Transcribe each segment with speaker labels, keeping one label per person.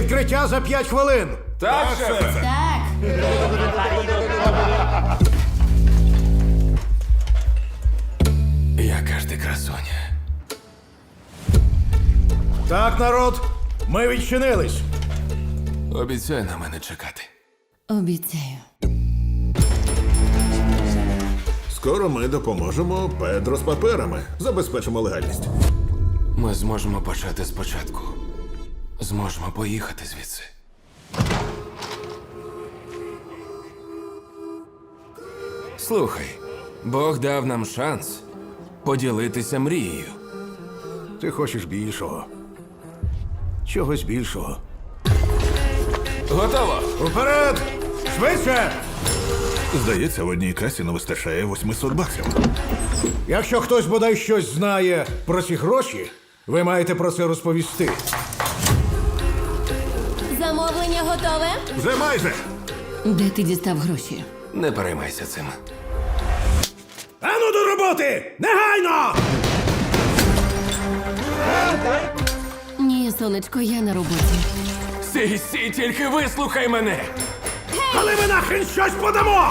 Speaker 1: Відкриття за 5 хвилин.
Speaker 2: Так, шефе.
Speaker 3: Так.
Speaker 2: Яка ж ти красуня.
Speaker 1: Так, народ, ми відчинились.
Speaker 2: Обіцяй на мене чекати.
Speaker 3: Обіцяю.
Speaker 4: Скоро ми допоможемо Педро з паперами. Забезпечимо легальність.
Speaker 2: Ми зможемо почати спочатку. Зможемо поїхати звідси. Слухай, Бог дав нам шанс поділитися мрією.
Speaker 1: Ти хочеш більшого. Чогось більшого.
Speaker 2: Готово!
Speaker 1: Уперед! Швидше!
Speaker 4: Здається, в одній касі не вистачає 800 баксів.
Speaker 1: Якщо хтось бодай щось знає про ці гроші, ви маєте про це розповісти.
Speaker 3: Замовлення готове?
Speaker 4: Вже майже!
Speaker 3: Де ти дістав гроші?
Speaker 2: Не переймайся цим.
Speaker 1: Ану до роботи! Негайно!
Speaker 3: Ні, сонечко, я на роботі.
Speaker 2: Сій, тільки вислухай мене!
Speaker 1: Але ми нахрен щось подамо!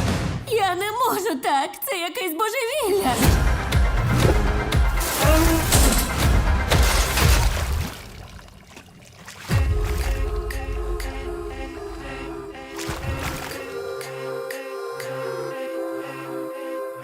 Speaker 3: Я не можу так. Це якесь божевілля.